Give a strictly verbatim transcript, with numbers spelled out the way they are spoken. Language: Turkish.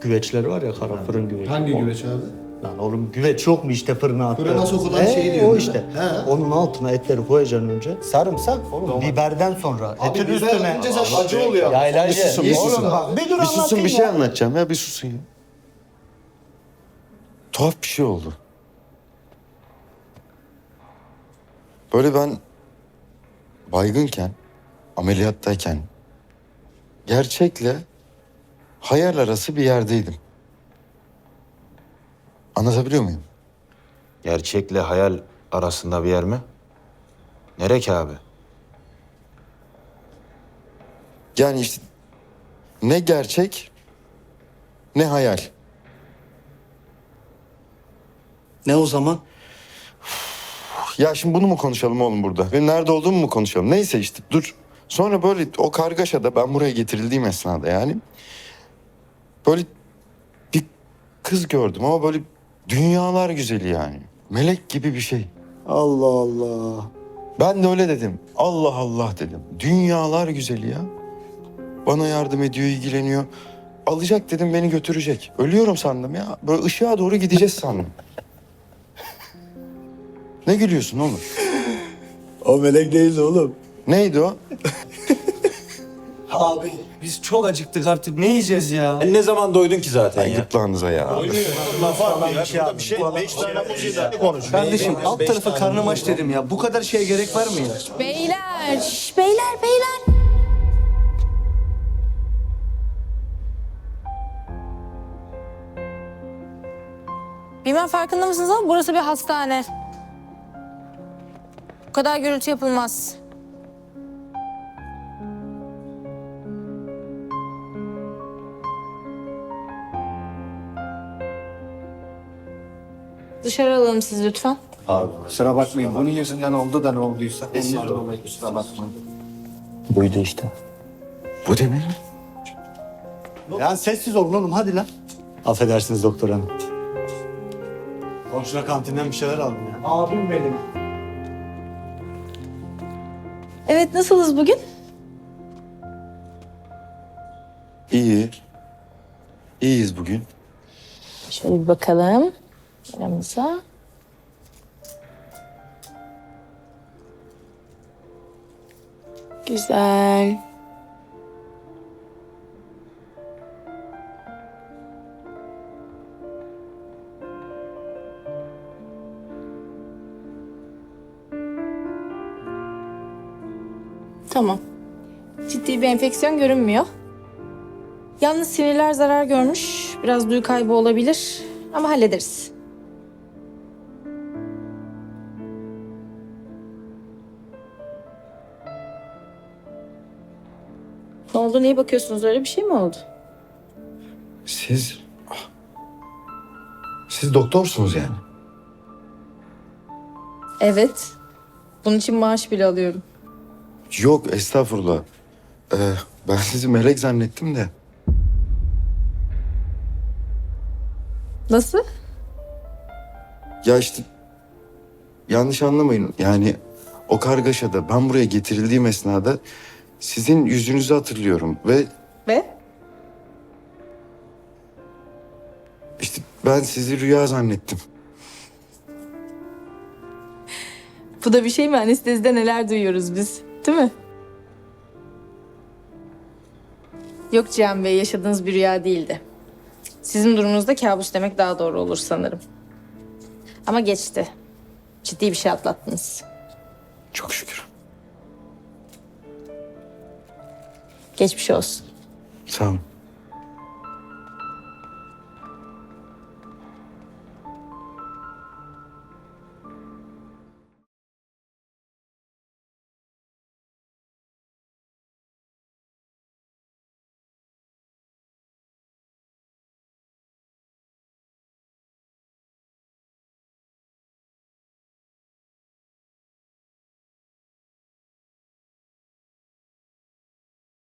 güveçleri var ya, kara fırın güveci. Hangi O- güveç abi? Lan oğlum güveç yok mu işte fırına attı. Fırına sokulan He, şeyi diyorsun o değil işte. mi? He. Onun altına etleri koyacaksın önce. Sarımsak oğlum biberden sonra. Abi Etin biber üstüne. önce sen acı oluyor. Yaylacı. Bir susun, bir Oğlum susun. bak, bir dur Bir susun, anlatayım bir şey ya. anlatacağım ya, bir susun ya. Tuhaf bir şey oldu. Böyle ben baygınken, ameliyattayken gerçekle hayal arası bir yerdeydim. Anlatabiliyor muyum? Gerçekle hayal arasında bir yer mi? Nere ki abi? Yani işte ne gerçek ne hayal. Ne o zaman? Ya şimdi bunu mu konuşalım oğlum burada? Benim nerede olduğumu mu konuşalım? Neyse işte dur. Sonra böyle o kargaşada ben buraya getirildiğim esnada yani böyle bir kız gördüm ama böyle dünyalar güzeli yani. Melek gibi bir şey. Allah Allah. Ben de öyle dedim. Allah Allah dedim. Dünyalar güzeli ya. Bana yardım ediyor, ilgileniyor. Alacak dedim, beni götürecek. Ölüyorum sandım ya. Böyle ışığa doğru gideceğiz sandım. Ne gülüyorsun oğlum? O melek değildi oğlum. Neydi o? Abi biz çok acıktık artık. Ne yiyeceğiz ya? Ne zaman doydun ki zaten Ay ya? gırtlağınıza ya. Kardeşim alt tarafı karnım aç dedim ya. Bu kadar şeye gerek var mı ya? Beyler, şş, beyler, beyler. Bilmem farkında mısınız ama burası bir hastane. Bu kadar gürültü yapılmaz. Dışarı alalım sizi lütfen. Kusura bakmayın. Bunun yüzünden oldu da ne olduysa. Ondan dolayı kusura bakmayın. Buydu işte. Bu demek mi? Ya sessiz olun oğlum hadi lan. Affedersiniz doktor hanım. Komşuna kantinden bir şeyler aldım ya. Abim benim. Evet, nasılız bugün? İyi. İyiyiz bugün. Şöyle bir bakalım aramıza. Güzel. Tamam. Ciddi bir enfeksiyon görünmüyor. Yalnız sinirler zarar görmüş. Biraz duyu kaybı olabilir ama hallederiz. Ne oldu? Niye bakıyorsunuz? Öyle bir şey mi oldu? Siz... ah. Siz doktorsunuz yani. Evet. Bunun için maaş bile alıyorum. Yok estağfurullah. Ee, ben sizi melek zannettim de. Nasıl? Ya işte yanlış anlamayın. Yani o kargaşada ben buraya getirildiğim esnada sizin yüzünüzü hatırlıyorum ve Ve? işte ben sizi rüya zannettim. Bu da bir şey mi? Anestezide neler duyuyoruz biz. Değil mi? Yok Cihan Bey, yaşadığınız bir rüya değildi. Sizin durumunuzda kabus demek daha doğru olur sanırım. Ama geçti. Ciddi bir şey atlattınız. Çok şükür. Geçmiş olsun. Sağ olun.